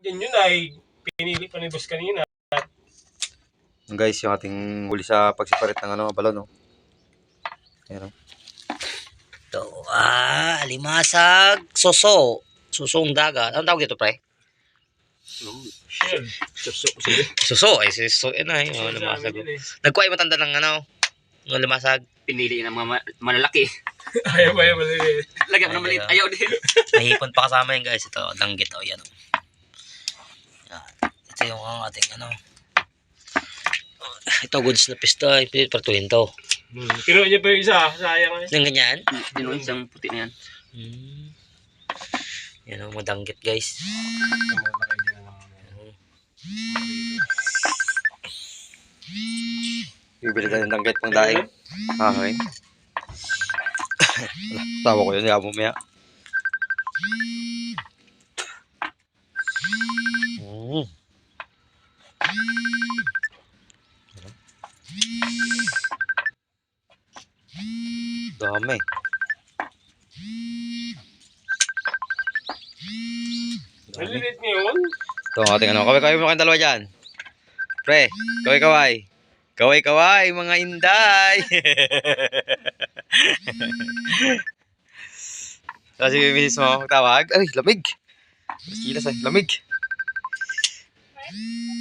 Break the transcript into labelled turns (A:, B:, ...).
A: Yan yun ay pinili pa ni boss kanina.
B: Guys, yung ating huli sa pagsiparit ng balon, no? Ayan, no?
C: Ito, alimasag, soso. Susong dagat. Anong tawag dito, pre?
A: Shell.
C: Suso. Ay, suso. Yan ay. Alimasag. Nagkuha yung matanda ng ng alimasag.
D: Pinili ng mga malalaki.
A: Ayaw maliit.
D: Lagyan mo ng maliit. Ayaw din.
C: Mahipon pa kasama yan, guys. Ito, danggit. O, yan. Yan. Ito yung ating Ito, goods na pista. Pilit partuhin to.
A: Kinuha niya pa yung isa. Sayang eh.
C: Yung ganyan?
D: Yun yung isang puti na yan.
C: Yan ang madanggit, guys.
B: Bibili tayo ng danggit pang daing. Okay. Tawa ko yun, yaman mo ya. Dami.
A: Maliliit niya yun.
B: Ito ang ating kaway-kaway mo kayong dalawa dyan. Pre, kaway-kaway. Kaway-kaway, mga inday. Kasi misis mo magtawag. Ay, lamig. Kilas ay, lamig.